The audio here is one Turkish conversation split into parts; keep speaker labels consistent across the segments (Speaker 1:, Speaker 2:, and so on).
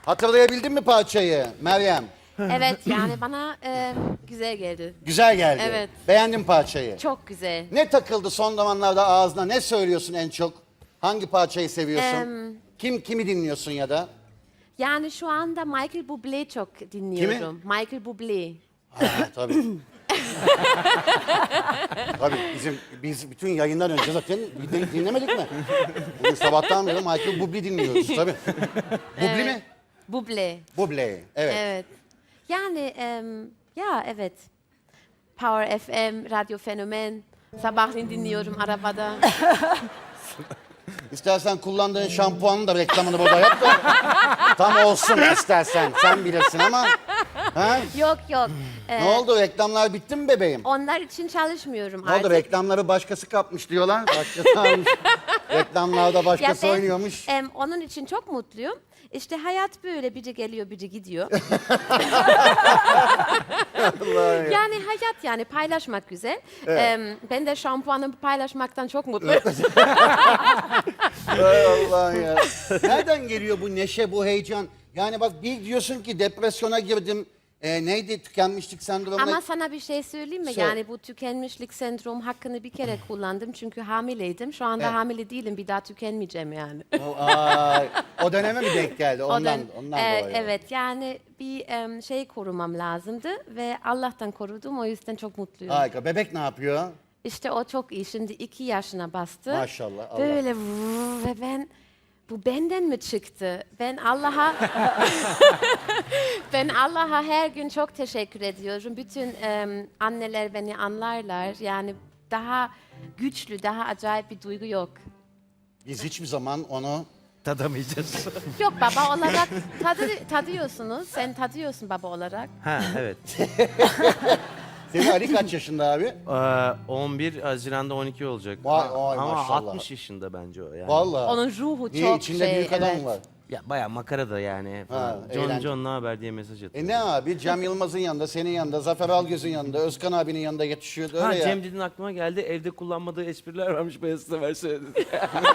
Speaker 1: Hatırlayabildin mi parçayı Meryem?
Speaker 2: Evet yani bana güzel geldi.
Speaker 1: Güzel geldi.
Speaker 2: Evet.
Speaker 1: Beğendin parçayı.
Speaker 2: Çok güzel.
Speaker 1: Ne takıldı son zamanlarda ağzına? Ne söylüyorsun en çok? Hangi parçayı seviyorsun? Kimi dinliyorsun ya da?
Speaker 2: Yani şu anda Michael Bublé çok dinliyorum. Michael Bublé.
Speaker 1: Ha, tabii. Tabii biz bütün yayından önce zaten dinlemedik mi? Bugün sabahtan beri Michael Bublé dinliyoruz tabii. Bublé mi?
Speaker 2: Bublé.
Speaker 1: Bublé, evet.
Speaker 2: Evet. Yani ya evet. Power FM, Radyo Fenomen. Sabahleyin dinliyorum arabada.
Speaker 1: İstersen kullandığın şampuanın da reklamını burada yap da tam olsun istersen. Sen bilirsin ama. Ha?
Speaker 2: Yok yok.
Speaker 1: Ne oldu? Reklamlar bitti mi bebeğim?
Speaker 2: Onlar için çalışmıyorum
Speaker 1: Ne
Speaker 2: artık.
Speaker 1: oldu? Reklamları başkası kapmış diyorlar. Başkası almış. Reklamlarda başkası oynuyormuş.
Speaker 2: Onun için çok mutluyum. İşte hayat böyle, biri geliyor, biri gidiyor. Yani hayat, yani paylaşmak güzel.
Speaker 1: Evet.
Speaker 2: Ben de şampuanımı paylaşmaktan çok mutluyum.
Speaker 1: Hay Allah ya. Nereden geliyor bu neşe, bu heyecan? Yani bak bir diyorsun ki depresyona girdim. Neydi? Tükenmişlik sendromu.
Speaker 2: Ama sana bir şey söyleyeyim mi?
Speaker 1: Söyle.
Speaker 2: Yani bu tükenmişlik sendrom hakkını bir kere kullandım. Çünkü hamileydim. Şu anda
Speaker 1: Evet.
Speaker 2: hamile değilim. Bir daha tükenmeyeceğim yani.
Speaker 1: O döneme mi denk geldi? Ondan dolayı.
Speaker 2: Evet, yani bir şey korumam lazımdı ve Allah'tan korudum. O yüzden çok mutluyum.
Speaker 1: Harika. Bebek ne yapıyor?
Speaker 2: İşte o çok iyi. Şimdi 2 yaşına bastı.
Speaker 1: Maşallah, Allah.
Speaker 2: Böyle ve ben, bu benden mi çıktı? Ben Allah'a her gün çok teşekkür ediyorum. Bütün anneler beni anlarlar. Yani daha güçlü, daha acayip bir duygu yok.
Speaker 1: Biz hiçbir zaman onu...
Speaker 3: Tadamayacağız.
Speaker 2: Yok, baba olarak tadıyorsunuz. Sen tadıyorsun baba olarak.
Speaker 3: Ha evet.
Speaker 1: Senin Ali kaç yaşında abi?
Speaker 3: 11 Haziran'da 12 olacak.
Speaker 1: Vay,
Speaker 3: Ama
Speaker 1: maşallah.
Speaker 3: 60 yaşında bence o yani.
Speaker 1: Vallahi.
Speaker 2: Onun ruhu
Speaker 1: Niye?
Speaker 2: çok
Speaker 1: İçinde
Speaker 2: şey.
Speaker 1: büyük adam
Speaker 2: evet.
Speaker 1: var.
Speaker 3: Ya bayağı makara da yani.
Speaker 1: Ha,
Speaker 3: John
Speaker 1: eğlence.
Speaker 3: John ne haber diye mesaj atıyor.
Speaker 1: Ne abi? Cem Yılmaz'ın yanında, senin yanında, Zafer Algöz'ün yanında, Özkan abinin yanında yetişiyor. Öyle
Speaker 3: Ha
Speaker 1: ya.
Speaker 3: Cem dedin aklıma geldi. Evde kullanmadığı espriler varmış. Beyaz Sever söyledi.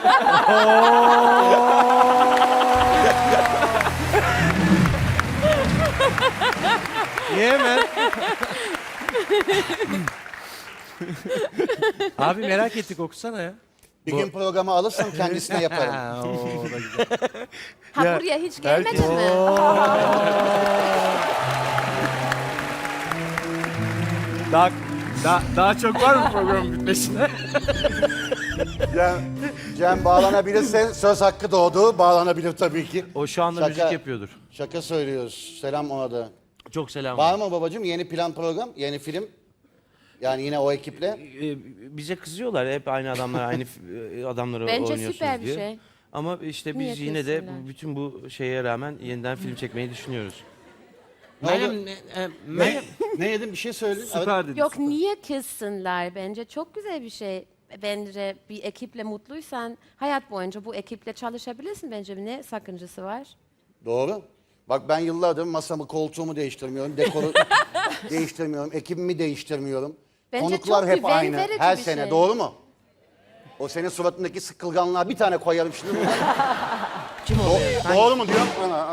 Speaker 3: Yeme. Abi merak ettik, okusana ya.
Speaker 1: Bir gün programı alırsam kendisine yaparım.
Speaker 3: Ha, o da güzel.
Speaker 2: Ha,
Speaker 3: Ya,
Speaker 2: buraya hiç gelmedin mi?
Speaker 3: Daha çok var mı programın bitmesine?
Speaker 1: Cem bağlanabilirse söz hakkı doğdu. Bağlanabilir tabii ki.
Speaker 3: O şu anda müzik yapıyordur.
Speaker 1: Şaka söylüyoruz. Selam ona da.
Speaker 3: Çok selam.
Speaker 1: Var mı babacığım yeni plan program, yeni film? Yani yine o ekiple.
Speaker 3: Bize kızıyorlar hep aynı adamlar, aynı adamları
Speaker 2: Bence
Speaker 3: oynuyorsunuz
Speaker 2: süper bir
Speaker 3: diye.
Speaker 2: şey.
Speaker 3: Ama işte
Speaker 2: Niye
Speaker 3: biz yine de
Speaker 2: kızsınlar?
Speaker 3: bütün bu şeye rağmen yeniden film çekmeyi düşünüyoruz.
Speaker 1: Ne oldu?
Speaker 3: Meryem,
Speaker 1: Ne yedin bir şey söyle.
Speaker 3: süper dedi.
Speaker 2: Yok, niye kızsınlar? Bence çok güzel bir şey. Bence bir ekiple mutluysan hayat boyunca bu ekiple çalışabilirsin. Bence ne sakıncası var?
Speaker 1: Doğru. Bak ben yıllardır masamı, koltuğumu değiştirmiyorum, dekoru değiştirmiyorum, ekibimi değiştirmiyorum.
Speaker 2: Bence
Speaker 1: Konuklar
Speaker 2: çok
Speaker 1: hep
Speaker 2: güven
Speaker 1: aynı
Speaker 2: verici
Speaker 1: her
Speaker 2: bir
Speaker 1: sene.
Speaker 2: şey.
Speaker 1: Doğru mu? O senin suratındaki sıkılganlığa bir tane koyarım şimdi.
Speaker 3: Kim o be?
Speaker 1: Doğru mu diyorum?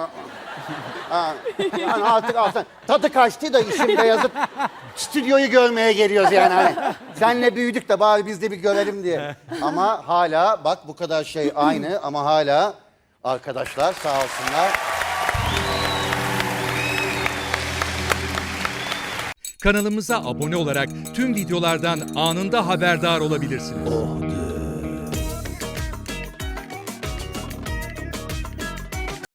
Speaker 1: Yani artık tadı kaçtı da işin beyazıp stüdyoyu görmeye geliyoruz yani. Hani, senle büyüdük de bari biz de bir görelim diye. Ama hala bak bu kadar şey aynı ama hala arkadaşlar sağ olsunlar.
Speaker 4: Kanalımıza abone olarak tüm videolardan anında haberdar olabilirsiniz.